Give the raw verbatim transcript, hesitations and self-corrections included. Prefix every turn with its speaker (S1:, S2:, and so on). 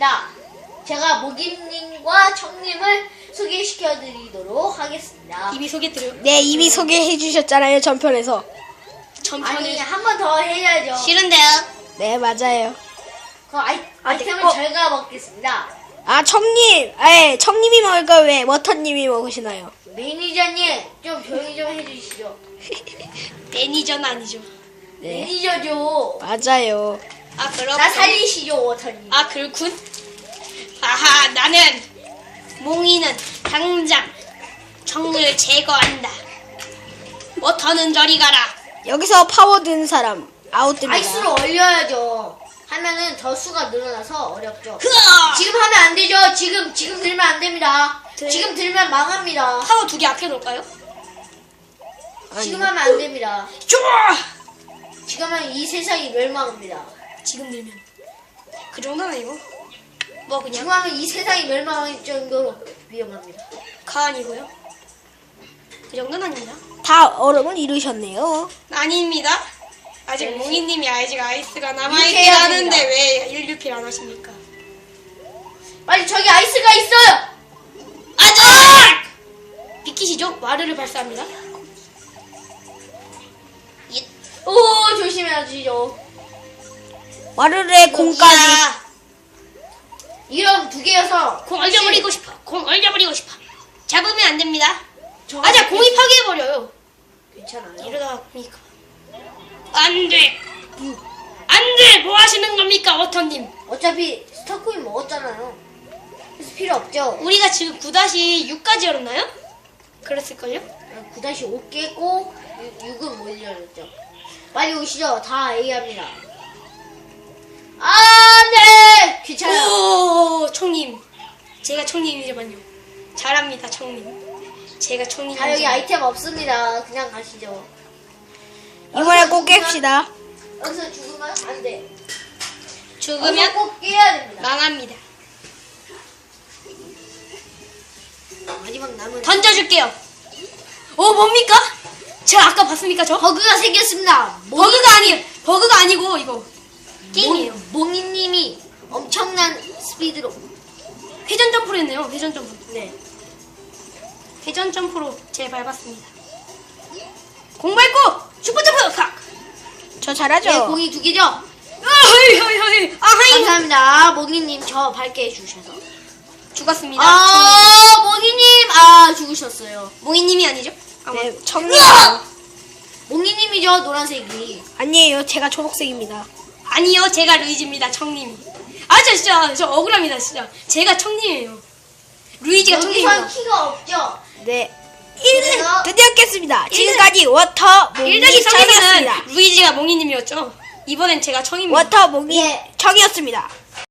S1: 하겠습니다. 제가 모기님과 청님을 소개시켜드리도록 하겠습니다.
S2: 이미 소개드려요.
S3: 네, 이미 소개해 주셨잖아요, 전편에서.
S2: 전편을
S1: 아니, 한 번 더 해야죠.
S2: 싫은데요.
S3: 네, 맞아요.
S1: 그 아이, 아이템을
S3: 어.
S1: 저희가 먹겠습니다.
S3: 아, 청님! 에 청님이 먹을까? 왜 워터님이 먹으시나요?
S1: 매니저님, 좀 조용히 좀 해주시죠.
S2: 매니저는 아니죠.
S3: 네.
S1: 매니저죠.
S3: 맞아요.
S2: 아 그렇군.
S1: 나 살리시죠, 워터님.
S2: 아 그렇군. 아하 나는 몽이는 당장 정을 제거한다. 워터는 저리 가라.
S3: 여기서 파워 든 사람 아웃됩니다.
S1: 아이스로 얼려야죠. 하면은 더 수가 늘어나서 어렵죠.
S2: 흐아!
S1: 지금 하면 안 되죠. 지금 지금 들면 안 됩니다.
S2: 네.
S1: 지금 들면 망합니다.
S2: 파워 두 개 앞에 놓을까요?
S1: 지금 하면 안 됩니다.
S2: 좋아.
S1: 지금 하면 이 세상이 멸망합니다.
S2: 지금 들면 그 정도는 아니고 뭐
S1: 지금
S2: 그냥
S1: 하면 이 세상이 멸망할 정도로 위험합니다.
S2: 가 아니고요. 그 정도는 아닙니다.
S3: 다 얼음을 이루셨네요.
S2: 아닙니다. 아직
S1: 네.
S2: 몽이님이 아직 아이스가
S1: 이렇게
S2: 남아있긴
S1: 해야
S2: 하는데
S1: 됩니다.
S2: 왜 일류필 안 하십니까?
S1: 빨리 저기 아이스가 있어요.
S2: 아작! 비키시죠? 와르를 발사합니다. 예.
S1: 오 조심해야지요.
S3: 와르르의 공까지.
S2: 야,
S1: 이런 두 개여서
S2: 공 얼려버리고 싶어. 공 얼려버리고 싶어. 잡으면 안 됩니다.
S1: 저
S2: 아자 공이 파괴해버려요.
S1: 괜찮아요.
S2: 이러다가 공이 가. 안 돼. 안 돼. 뭐 하시는 겁니까, 워터님?
S1: 어차피 스타코인 먹었잖아요. 그래서 필요 없죠.
S2: 우리가 지금 구 육까지 열었나요? 그랬을걸요?
S1: 구 오 깼고 육은 못 열렸죠. 빨리 오시죠. 다 A합니다. 아, 네. 괜찮아요.
S2: 오, 청님. 제가 청님이지만요. 잘합니다, 청님. 제가 청님.
S1: 다 여기 아이템 없습니다. 그냥 가시죠.
S3: 이번에 꼭 깹시다.
S1: 여기서 죽으면 안 돼.
S2: 죽으면
S1: 여기서 꼭 깨야 됩니다.
S2: 망합니다.
S1: 마지막 남은
S2: 던져줄게요. 오, 뭡니까? 제가 아까 봤습니까, 저?
S1: 버그가 생겼습니다.
S2: 버그가 아니에요. 버그가 아니고, 이거. 게임이에요.
S1: 몽이님이 엄청난 스피드로.
S2: 회전 점프로 했네요, 회전 점프.
S1: 네.
S2: 회전 점프로 제 밟았습니다. 공 밟고, 슈퍼 점프! 팍!
S3: 저 잘하죠?
S1: 네, 공이 두 개죠?
S2: 아, 허이, 허이, 허이. 아, 하이!
S1: 감사합니다. 몽이님 저 밝게 해주셔서.
S2: 죽었습니다.
S1: 아, 몽이님! 아, 죽으셨어요.
S2: 몽이님이 아니죠? 아마.
S3: 네, 청님.
S1: 몽이님이죠, 노란색이.
S3: 아니에요, 제가 초록색입니다.
S2: 아니요, 제가 루이지입니다, 청님이. 아, 저 진짜, 저 억울합니다, 진짜. 제가 청님이에요. 루이지가
S1: 여기선
S2: 청님이에요.
S1: 키가 없죠?
S3: 네.
S1: 그래서
S3: 드디어 깼습니다. 지금까지 워터 몽이
S2: 일 더기 삼에서는
S3: 청이었습니다.
S2: 루이지가 몽이님이었죠. 이번엔 제가 청입니다.
S3: 워터 몽이
S1: 예.
S3: 청이었습니다.